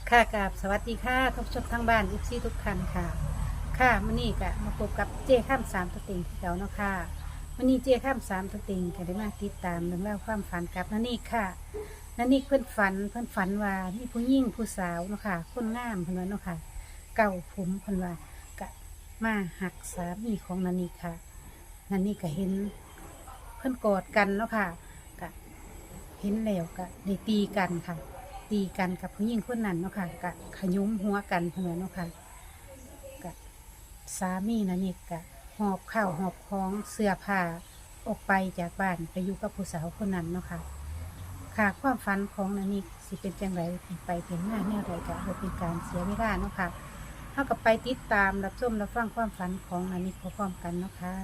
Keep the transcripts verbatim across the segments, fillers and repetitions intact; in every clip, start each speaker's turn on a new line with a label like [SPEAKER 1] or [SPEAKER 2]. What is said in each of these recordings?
[SPEAKER 1] ค่ะกราบสวัสดีค่ะทุกชมทั้งบ้านทุกซี่ทุกท่านค่ะค่ะมื่อนี้ก็มาพบกับเจ้ข้ามสามตัวเต็งที่เก่าเนาะค่ะมื่อนี้เจ้ข้ามสามตัวเต็งก็ได้มาติดตามเรื่องราวความฝันกับนันนี่ค่ะนันนี่เพื่อนฝันเพื่อนฝันว่ามีผู้หญิงผู้สาวเนาะค่ะคนงามเพื่อนว่าเนาะค่ะเก่าผมเพื่อนว่ากะมาหักสามีของนันนี่ค่ะนันนี่ก็เห็นเพื่อนกอดกันเนาะค่ะกะเห็นแล้วก็ได้ตีกันค่ะ ตีกันกับผู้หญิงคนนั้นเนาะค่ะกะขยุ้มหัวกันเพื่อนเนาะค่ะกะสามีนั่นนี่กะหอบข้าวหอบของเสื้อผ้าออกไปจากบ้านไปอยู่กับผู้สาวคนนั้นเนาะค่ะค่ะความฝันของนันนี่สิเป็นจังไรเป็นไปเป็นหน้าแนวใดกะบ่เป็นการเสียเวลาเนาะค่ะเท่ากับไปติดตามรับชมรับฟังความฝันของนันนี่พร้อมๆกันเนาะค่ะ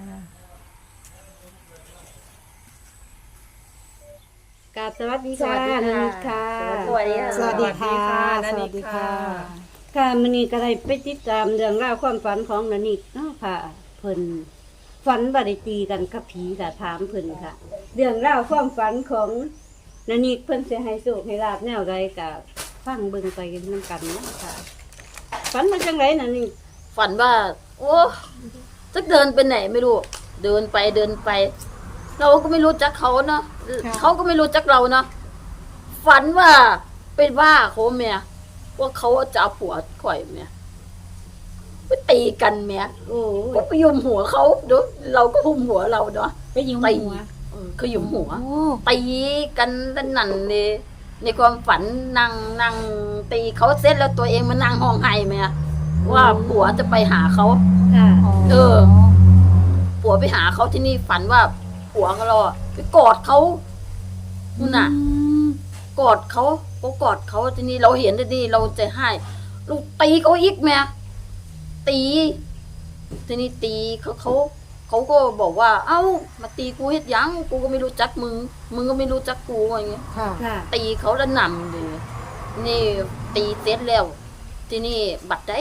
[SPEAKER 2] กราบสวัสดี
[SPEAKER 3] ส
[SPEAKER 2] ค่ะ
[SPEAKER 3] วัสดี
[SPEAKER 2] นัน
[SPEAKER 3] ค่ะ
[SPEAKER 2] ค่ะ
[SPEAKER 3] สวัสดีค่ะ
[SPEAKER 1] สวัสดีค่ะ
[SPEAKER 3] สวัสดีค่ะ
[SPEAKER 1] สวัสดีค่ะ
[SPEAKER 2] ค่ะมันนี้ก็ได้ไปติดตามเรื่องราวความฝันของนันนิกเนาะค่ะ เพิ่นฝันบ่ได้ตีกันกับผีค่ะถามเพิ่นค่ะ เรื่องราวความฝันของนันนิกเพิ่นสิให้โชคให้ลาบแนวใดก็ฟังเบิ่งไปนำกันเนาะค่ะฝันมาจังไดนันนิก
[SPEAKER 3] ฝันว่า โอ้จะเดินไปไหนไม่รู้ เดินไปเดินไป เราก็ไม่รู้จักเขาเนาะ
[SPEAKER 1] ค่ะ
[SPEAKER 3] เขาก็ไม่รู้จักเราเนาะฝันว่าเป็นว่าเขาเมียว่าเขาจะเอาผัวข่อยเมียไปตีกันเมีย
[SPEAKER 2] โอ้
[SPEAKER 3] ก็ไปยุมหัวเขาเดี๋ยวเราก็หุมหัวเราเนาะ
[SPEAKER 1] ไปยิง
[SPEAKER 3] ตี
[SPEAKER 1] หัว
[SPEAKER 3] เออก็ยุมหัว
[SPEAKER 1] โอ้
[SPEAKER 3] ตีกันนั่นนั่นเลยในความฝันนั่งนั่งตีเขาเสร็จแล้วตัวเองมานั่งห้องไห้ไหมอะว่าผัวจะไปหาเขา
[SPEAKER 2] ค่ะ
[SPEAKER 3] เออ ผัวไปหาเขาที่นี่ฝันว่าผัวของเราอะไปกอดเขานู่นน่ะ กอดเขาก็กอดเขาทีนี้เราเห็นที่นี่เราจะให้ลูกตีเขาอีกแม่ตีทีนี้ตีเขาเขาเขาก็บอกว่า เอ้ามาตีกูเฮ็ดหยังกูก็ไม่รู้จักมึงมึงก็ไม่รู้จักกูอะไรเงี้ย
[SPEAKER 1] ค่ะ
[SPEAKER 2] ค่ะ
[SPEAKER 3] ตีเขาแล้วนำเลยนี่ตีเสร็จแล้ว ที่นี่บัดได้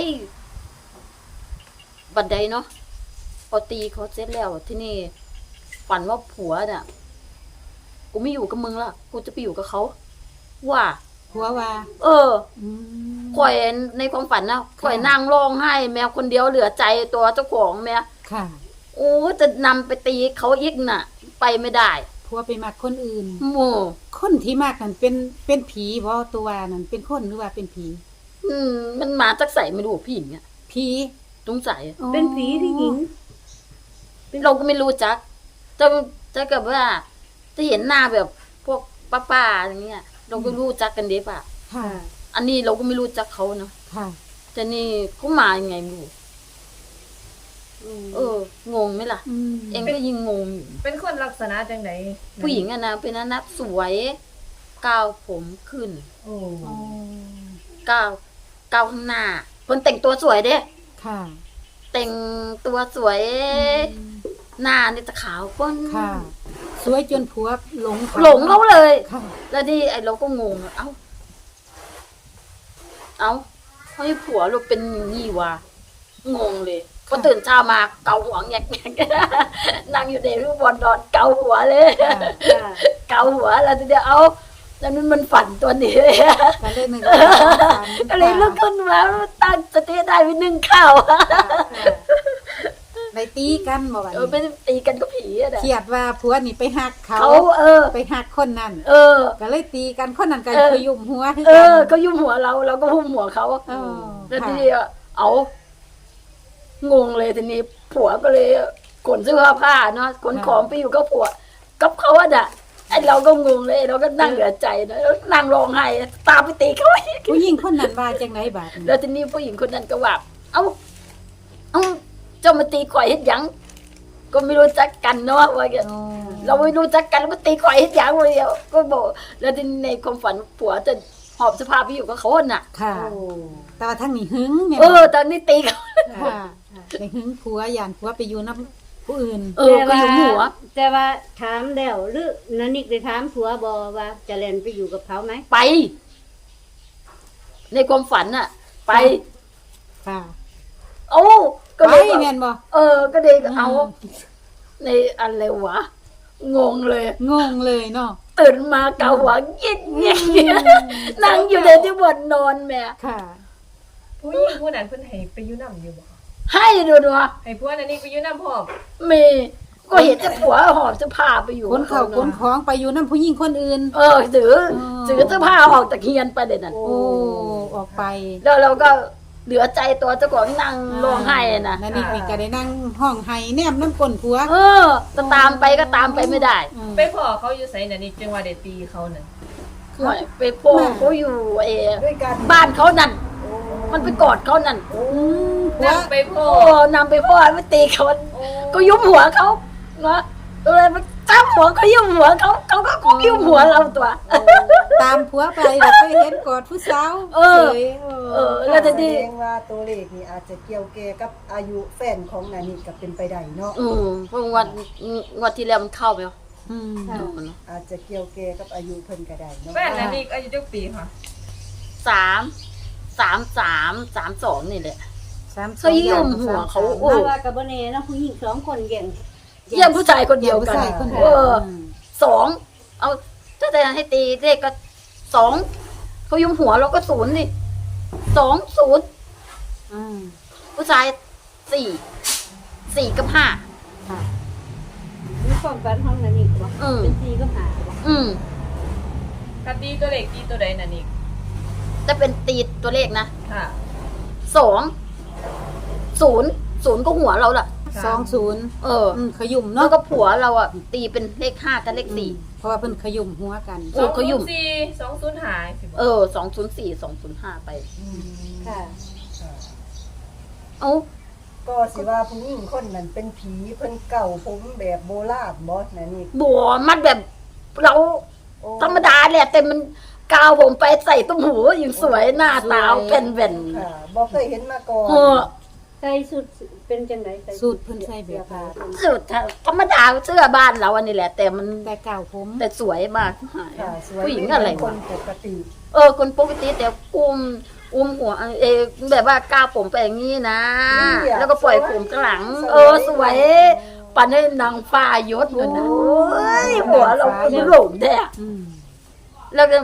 [SPEAKER 3] บัดใดเนาะพอตีเขาเสร็จแล้ว ที่นี่ฝันว่าผัวเนี่ยกูไม่อยู่กับมึงละกูจะไปอยู่กับเขาว่า
[SPEAKER 1] หัวว่า
[SPEAKER 3] เออ
[SPEAKER 1] อืม
[SPEAKER 3] ข่อยในความฝันนะข่อยนั่งร้องไห้ แมวคนเดียวเหลือใจตัวเจ้าของแมว
[SPEAKER 1] ค่ะ
[SPEAKER 3] โอ้จะนำไปตีเขาอีกน่ะ ไปไม่ได้
[SPEAKER 1] ผัวไปมักคนอื่น
[SPEAKER 3] โม่
[SPEAKER 1] คนที่มากนั่นเป็นเป็นผีบ่ตัวว่านั่นเป็นคนหรือว่าเป็นผี
[SPEAKER 3] อืมมันมาจากใส่ไม่รู้พี่หญิงเนี่ย
[SPEAKER 1] ผี
[SPEAKER 3] สงสัย
[SPEAKER 2] เป็นผีที่หญิง
[SPEAKER 3] เราก็ไม่รู้จักจะจะกับว่า จะเห็นหน้าแบบพวกป้าๆอย่างเงี้ย เราก็รู้จักกันเด็ป่ะ
[SPEAKER 1] ค่ะ
[SPEAKER 3] อันนี้เราก็ไม่รู้จักเขาเนาะ
[SPEAKER 1] ค่ะ
[SPEAKER 3] แต่นี่เขามายังไงไม่รู้เออ งงไหมล่ะ
[SPEAKER 1] อืม
[SPEAKER 3] เองก็ยิ่งงงอยู่
[SPEAKER 4] เป็นคนลักษณะจังได
[SPEAKER 3] ผู้หญิงอะนะเป็นอนักสวยก้าวผมขึ้น
[SPEAKER 4] โอ้
[SPEAKER 1] อ๋อ
[SPEAKER 3] ก้าวก้าวข้างหน้าคนแต่งตัวสวยเด้
[SPEAKER 1] ค่ะ
[SPEAKER 3] แต่งตัวสวย หน้านี่จะขาวก้น
[SPEAKER 1] ค่ะ สวยจนผัวหลง
[SPEAKER 3] หลงเขาเลย
[SPEAKER 1] ค่ะ
[SPEAKER 3] แล้วนี่ไอ้เราก็งงเอ้า เอ้าเขาให้ผัวเราเป็นอย่างนี่วะงงเลยพอตื่นเช้ามาเกาหัวแงกแงก นั่งอยู่ในรูปบอลนอนเกาหัวเลย
[SPEAKER 1] ค่ะ
[SPEAKER 2] ค่ะ
[SPEAKER 3] เกาหัวแล้วทีเดียวเอาแล้วนั้นมันฝันตัวนี้
[SPEAKER 1] ก็เลยนึกว่าฝัน
[SPEAKER 3] ก็เลยลุกขึ้นมาตั้งสติได้ไปนึ่งข้าว
[SPEAKER 1] ได้ตีกันบ่บัด
[SPEAKER 3] เออไป
[SPEAKER 1] นี้
[SPEAKER 3] ตีกันก็ผีอะนะ
[SPEAKER 1] เครียดว่าผัวนี่ไปหักเขา
[SPEAKER 3] เขาเออ
[SPEAKER 1] ไปหักคนนั้น
[SPEAKER 3] เออ
[SPEAKER 1] ก็เลยตีกันคนนั้นก็
[SPEAKER 3] เออ
[SPEAKER 1] ขยุ่มหัวให้
[SPEAKER 3] เอ
[SPEAKER 1] กัน
[SPEAKER 3] อเขายุ่มหัวเราเราก็หุ้มหัวเขา
[SPEAKER 1] เออ
[SPEAKER 3] แล้ว
[SPEAKER 1] ค่ะ
[SPEAKER 3] ทีนี้เอางงเลยทีนี้ผัวก็เลยขนเสื้อผ้าเนาะขนของไปอยู่กับผัวกับเขาอะน่ะไอเราก็งงเลยเราก็นั่งเหลือใจนะแล้วนั่งร้องไห้ตามไปตีเขาอีก
[SPEAKER 1] ผู้หญิงคนนั้นว่าจังไดบาดนี้
[SPEAKER 3] แล้วทีนี้ผู้หญิงคนนั้นก็ว่า เอ้า เอ้า เจ้ามาตีข่อยเฮ็ดหยัง ก็ไม่รู้จักกันเนาะว่าอย่าง
[SPEAKER 1] อ๋อ
[SPEAKER 3] เราไม่รู้จักกันแล้วมาตีข่อยเฮ็ดหยังวะเดียวก็บอก แล้วทีนี้ในความฝันผัวจะหอบเสภาพไปอยู่กับเขาน่ะ
[SPEAKER 1] ค่ะ
[SPEAKER 2] โอ้
[SPEAKER 1] แต่ว่าทั้งนี้หึงแม่น
[SPEAKER 3] เอ
[SPEAKER 1] บ่
[SPEAKER 3] อ ตอนนี้ตีเขา
[SPEAKER 1] ค่ะไปหึงผัวย่านผัวไปอยู่นำผู้อื่น
[SPEAKER 3] เออก็อยู่หัว
[SPEAKER 2] แต่ว่าถามแล้วหรือนันนิกได้ถามผัวบอว่าจะเล่นไปอยู่กับเขาไหม
[SPEAKER 3] ไป ในความฝันน่ะ ไป
[SPEAKER 1] ค่ะ
[SPEAKER 3] โอ้ก็
[SPEAKER 1] ไป
[SPEAKER 3] เลยบอก
[SPEAKER 1] แม่นบ่
[SPEAKER 3] เออ ก็เลยเอา ในอะไรวะงงเลย
[SPEAKER 1] งงเลยเนาะ
[SPEAKER 3] ตื่นมาเกาหัวเงี้ยเงี้ยนั่งอยู่ในที่บนนอนแม่
[SPEAKER 1] ค่ะ
[SPEAKER 4] ผู้หญิงผู้นั้นเพิ่นให้ไปอยู่นำอยู่บ่คะ
[SPEAKER 3] ให้ดูดูว่า
[SPEAKER 4] ให้ผัวนั่นนี่ไปอยู่นำพร้อม
[SPEAKER 3] มีก็เห็นจะผัวหอบเสื้อผ้าไปอยู่
[SPEAKER 1] คนเข่าคนของไปอยู่นั่นผู้หญิงคนอื่น
[SPEAKER 3] เออถือ
[SPEAKER 1] อ๋อ
[SPEAKER 3] ถือเสื้อผ้าออกจากเฮียนไปเด็ดนั่น
[SPEAKER 1] โอ้ออกไป
[SPEAKER 3] แล้วเราก็เหลือใจตัวเจ้าของนั่งร้องไห้นะ
[SPEAKER 1] นั่นนี่มีก็ได้นั่งห้องไห้แนมน้ำก้นผัว
[SPEAKER 3] เออจะตามไปก็ตามไปไม่ได้
[SPEAKER 1] อืม
[SPEAKER 4] ไปพ่อเขาอยู่ไสนั่นนี่จังว่าได้ตีเขานั่น
[SPEAKER 3] หน่อยไปโป้งเขาอยู่เอ
[SPEAKER 5] ด้วยกัน
[SPEAKER 3] บ้านเขานั่น มันไปกอดเขานั่น
[SPEAKER 5] โอ้
[SPEAKER 1] อืมผัว
[SPEAKER 4] นั่งไปพ่อ
[SPEAKER 3] โอ้นำไปพ่อไม่ตีเขาก็ยุบหัวเขาเนาะเลยไปจับหัวเขายุบหัวเขาเขาก็คุกยุบหัวเราตัว
[SPEAKER 1] ตามผัวไปแบบไปเห็นกอดผู้สาว
[SPEAKER 3] เออ
[SPEAKER 1] ฉย
[SPEAKER 3] เออ แล้วจะ
[SPEAKER 5] แส
[SPEAKER 3] ดี
[SPEAKER 5] ดงว่าตัวเลขนี่อาจจะเกี่ยวแก่กับอายุแฟนของนานิก็เป็นไปได้เนาะ
[SPEAKER 3] อืมเพราะวันวันที่แล้วมันเข้าไปแล้ว
[SPEAKER 1] อืม
[SPEAKER 5] อาจจะเกี่ยวแก่กับอายุเพิ่นก็ได้เนาะ
[SPEAKER 4] แฟนนั่นนี่อายุจักปีค่ะ
[SPEAKER 3] สามสามสามสามสองนี่แหละ
[SPEAKER 1] สาม
[SPEAKER 3] เขายืมหัวเขา โอ้
[SPEAKER 2] มาว่ากับบ่แน่เนาะผู้หญิงสองคนแย่ง
[SPEAKER 3] เยี่ยมผู้ชายคนเดียว
[SPEAKER 1] ผู้
[SPEAKER 3] กัน
[SPEAKER 1] ชายคนเดี
[SPEAKER 3] เอ
[SPEAKER 1] ยว
[SPEAKER 3] อสองเอาถ้าแต่ให้ตีเลขก็สองเขายุมหัวเราก็ศูนย์นี่สองศูนย์
[SPEAKER 1] อืม
[SPEAKER 3] ผู้ชายสี่สี่กับห้า
[SPEAKER 1] ค่ะ
[SPEAKER 2] มีความฝันของนันนี่บ่
[SPEAKER 3] อืม
[SPEAKER 2] เป็นสีก็หาบ่
[SPEAKER 3] อืม
[SPEAKER 4] คันตีตัวเลขตีตัวใดนั่นนี่
[SPEAKER 3] จะเป็นตีตัวเลขนะ
[SPEAKER 4] ค่ะ
[SPEAKER 3] สองศูนย์ศูนย์ก็หัวเราล่ะ
[SPEAKER 1] สองศูนย์
[SPEAKER 3] เออ
[SPEAKER 1] อืมขยุ่ม
[SPEAKER 3] แล้ว
[SPEAKER 1] เนาะ
[SPEAKER 3] ก็ผัวเราอ่ะ ตีเป็นเลขห้ากับเลขสี่
[SPEAKER 1] เพราะว่าเพิ่นขยุ่มหัวกัน
[SPEAKER 3] โอ้เขายุ่ม
[SPEAKER 4] สองศูนย์สี่ สองศูนย์ห้าสิบ่
[SPEAKER 3] เออสองศูนย์สี่สองศูนย์ห้าไป
[SPEAKER 2] ค่ะ
[SPEAKER 5] ค่ะ
[SPEAKER 3] เอ้า
[SPEAKER 5] ก็สิว่าผู้หญิงคนนั้นเป็นผีเพิ่นเก่าผมแบบโบราณบ่นานิ
[SPEAKER 3] บัวมันแบบเรา
[SPEAKER 5] โอ้
[SPEAKER 3] ธรรมดาแหละแต่มันกาวผมไปใส่ตุ้มหูอย่างสวยหน้าตาเป็นแว่น
[SPEAKER 5] ค่ะบ่เคยเห็นมาก่อน
[SPEAKER 3] เออ
[SPEAKER 2] ใส่สุดเป็นจังไดใส่
[SPEAKER 1] สูตรเพิ่นใส่แบบว่า
[SPEAKER 3] สุดธรรมดาเสื้อบ้านเราอันนี้แหละ แต่มัน
[SPEAKER 1] แต่เก่าผม
[SPEAKER 3] แต่สวยมาก
[SPEAKER 5] ค่ะสวย
[SPEAKER 3] ผู้หญิงอะไร
[SPEAKER 5] ค
[SPEAKER 3] วะ
[SPEAKER 5] นปกติ
[SPEAKER 3] เออคนปกติแต่อุ้มอุ้มหัวเออแบบว่ากาวผมไปอย่างนี้นะ แล้วก็ปล่อยผมข้างหลัง เออสวยปันให้นางฟ้ายศเลยนะโอ้ยหัวเราเป็นหลงแท้
[SPEAKER 1] อืม
[SPEAKER 3] แล้วก็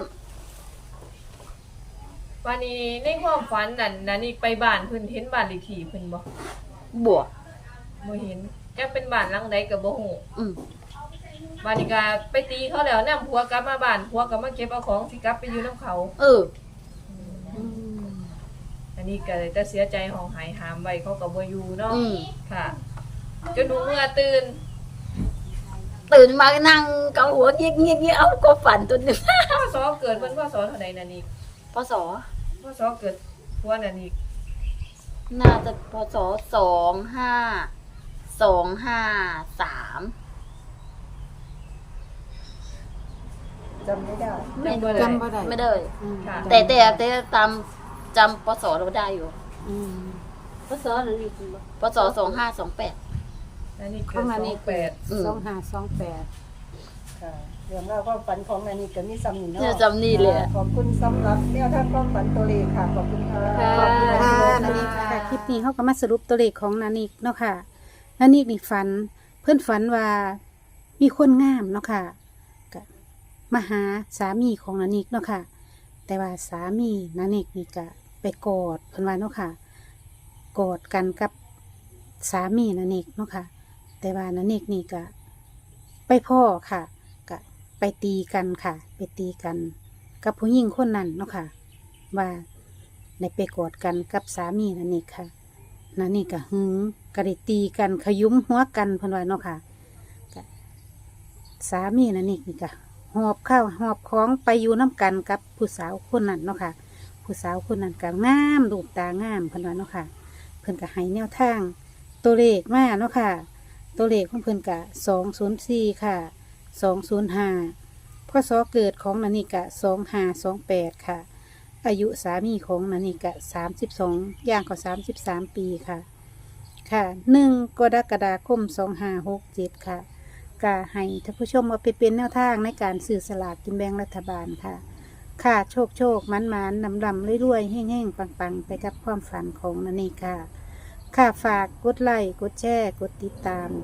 [SPEAKER 4] วันนี้ในความฝันนั่นนั่นนี่ไปบ้านเพิ่นเห็นบ้านเลขที่เพิ่นบ่
[SPEAKER 3] บวก
[SPEAKER 4] บ่เห็นแกเป็นบ้านหลังใดก็บ่ฮู้
[SPEAKER 3] อืม
[SPEAKER 4] บ้านนี้ก็ไปตีเขาแล้วนำผัวกลับมาบ้านผัวก็มาเก็บเอาของสิกลับไปอยู่นํเขา
[SPEAKER 3] เออ
[SPEAKER 1] อืม
[SPEAKER 4] อันนี้ก็เลยแต่เสียใจห้องหายหามไว้เขาก็บ่อยู่เนาะ
[SPEAKER 3] อืม
[SPEAKER 4] ค่ะจนหนูเมื่อตื่น
[SPEAKER 3] ตื่นมานั่งเกาหัวเงี้ยเงี้ยเงี้ยเอาก็ฝันตัวหนึง
[SPEAKER 4] พ่อสอเกิดเพิ่นพ่อสอเท่าใดนั่นนี่
[SPEAKER 3] พศ
[SPEAKER 4] พ่อสอเกิดผัวนั่นนี่
[SPEAKER 3] น่าจะพศสองห้าสองห้าสาม
[SPEAKER 5] จำไม่ได้
[SPEAKER 3] ไม่
[SPEAKER 1] จำบ่ได้
[SPEAKER 3] ไม่ได้
[SPEAKER 1] อืม
[SPEAKER 3] แต่แต่แต่ตามจำพศเราได้อยู่
[SPEAKER 1] อืม
[SPEAKER 2] พศนันนี่บ่
[SPEAKER 3] พศสองห้าสองแปด
[SPEAKER 4] นั่นนี่
[SPEAKER 1] ข
[SPEAKER 4] เกิ
[SPEAKER 1] อ
[SPEAKER 4] ด
[SPEAKER 1] งอัน
[SPEAKER 4] สอ
[SPEAKER 1] นี้
[SPEAKER 4] งแปด
[SPEAKER 3] อืม
[SPEAKER 1] สองห้าสองแปด
[SPEAKER 5] ค่ะเรื่องราวความฝันของนานิก็มีซ้ำนี่
[SPEAKER 3] เนี่ย
[SPEAKER 5] เนาะ
[SPEAKER 3] จำนี่เลยอะ
[SPEAKER 5] ขอบคุณสำหรับแนวทางความฝันตัวเลขค่ะ ขอบคุณค่ะ
[SPEAKER 1] ค่ะนานิค่ะคลิปนี้เขาก็มาสรุปตัวเลขของนานิกเนาะค่ะนานิกนี่ฝัน เพื่อนฝันว่ามีคนงามเนาะค่ะก็มาหาสามีของนานิกเนาะค่ะ แต่ว่าสามีนานิกนี่ก็ไปกอดเพิ่นว่าเนาะค่ะกอดกันกับสามีนานิกเนาะค่ะ แต่ว่านานิกนี่ก็ไปพ่อค่ะก็ไปตีกันค่ะ ไปตีกัน กับผู้หญิงคนนั้นเนาะค่ะ ว่าได้ไปกอดกันกับสามีนานิกค่ะนานิกก็หึงก็ได้ตีกันขยุ้มหัวกันเพิ่นว่าเนาะค่ะก็สามีนานิกนี่ก็หอบข้าวหอบของไปอยู่น้ำกันกับผู้สาวคนนั้นเนาะค่ะ ผู้สาวคนนั้นก็งามดูตางามเพิ่นว่าเนาะค่ะ เพิ่นก็ให้แนวทาง ตัวเลขมาเนาะค่ะ ตัวเลขของเพิ่นก็สองศูนย์สี่ค่ะสองศูนย์ห้าพศเกิดของนานิกะสองห้าสองแปดค่ะ อายุสามีของนานิกะสามสิบสองย่างก็สามสิบสามปีค่ะ ค่ะหนึ่งกรกฎาคมสองห้าหกเจ็ดค่ะกาให้ท่านผู้ชมมาไปเป็นแนวทางในการสื่อสลากกินแบ่งรัฐบาลค่ะ ค่ะโชคโชคมันมันนำดำรวยๆแห้งๆ ปังๆ ไปกับความฝันของนานิกค่ะ ค่ะฝากกดไลค์กดแชร์กดติดตาม ก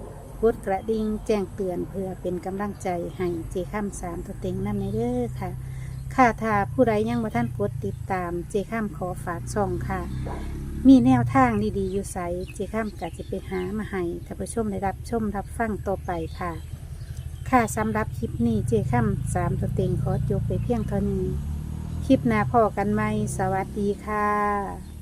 [SPEAKER 1] กดกระดิ่งแจ้งเตือนเพื่อเป็นกำลังใจให้เจข้ามสามตัวเต็งนำในเด้อค่ะค่ะถ้าผู้ใดยังบ่ท่านกดติดตามเจข้ามขอฝากช่องค่ะ มีแนวทางดีๆอยู่ใสเจข้ามกะจะไปหามาให้ท่านผู้ชมได้รับชมรับฟังต่อไปค่ะ ค่ะสำหรับคลิปนี้เจข้ามสามตัวเต็งขอจบไปเพียงเท่านี้คลิปหน้าพอกันไหมสวัสดีค่ะ